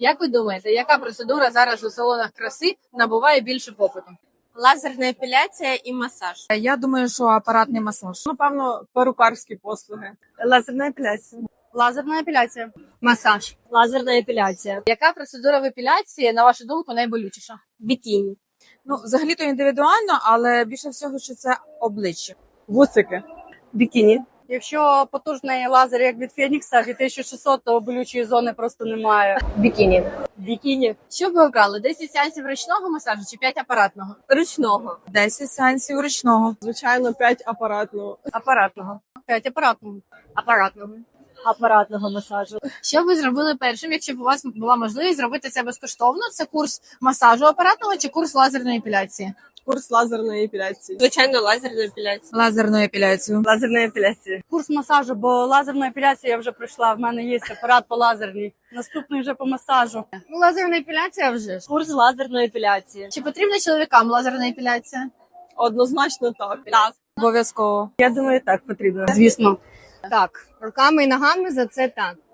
Як ви думаєте, яка процедура зараз у салонах краси набуває більше попиту? Лазерна епіляція і масаж. Я думаю, що апаратний масаж. Напевно, перукарські послуги. Лазерна епіляція. Лазерна епіляція. Масаж. Лазерна епіляція. Яка процедура в епіляції, на вашу думку, найболючіша? Бікіні. Ну, взагалі-то індивідуально, але більше всього, що це обличчя. Вусики. Бікіні. Якщо потужний лазер, як від Фенікса, від 1600, то болючої зони просто немає. Бікіні. Бікіні. Що б ви обрали? 10 сеансів ручного масажу чи 5 апаратного? Ручного. 10 сеансів ручного. Звичайно, 5 апаратного. Апаратного. 5 апаратного. Апаратного. Апаратного масажу. Що б ви зробили першим, якщо б у вас була можливість зробити це безкоштовно? Це курс масажу апаратного чи курс лазерної епіляції? Курс лазерної епіляції. Звичайно, лазерна епіляція. Лазерну епіляцію. Лазерна епіляція. Курс масажу, бо лазерна епіляція я вже пройшла. В мене є апарат по лазерній. Наступний вже по масажу. Ну, лазерна епіляція вже ж. Курс лазерної епіляції. Чи потрібна чоловікам лазерна епіляція? Однозначно так. Так. Обов'язково. Я думаю, так потрібно. Звісно. Так, руками і ногами за це так.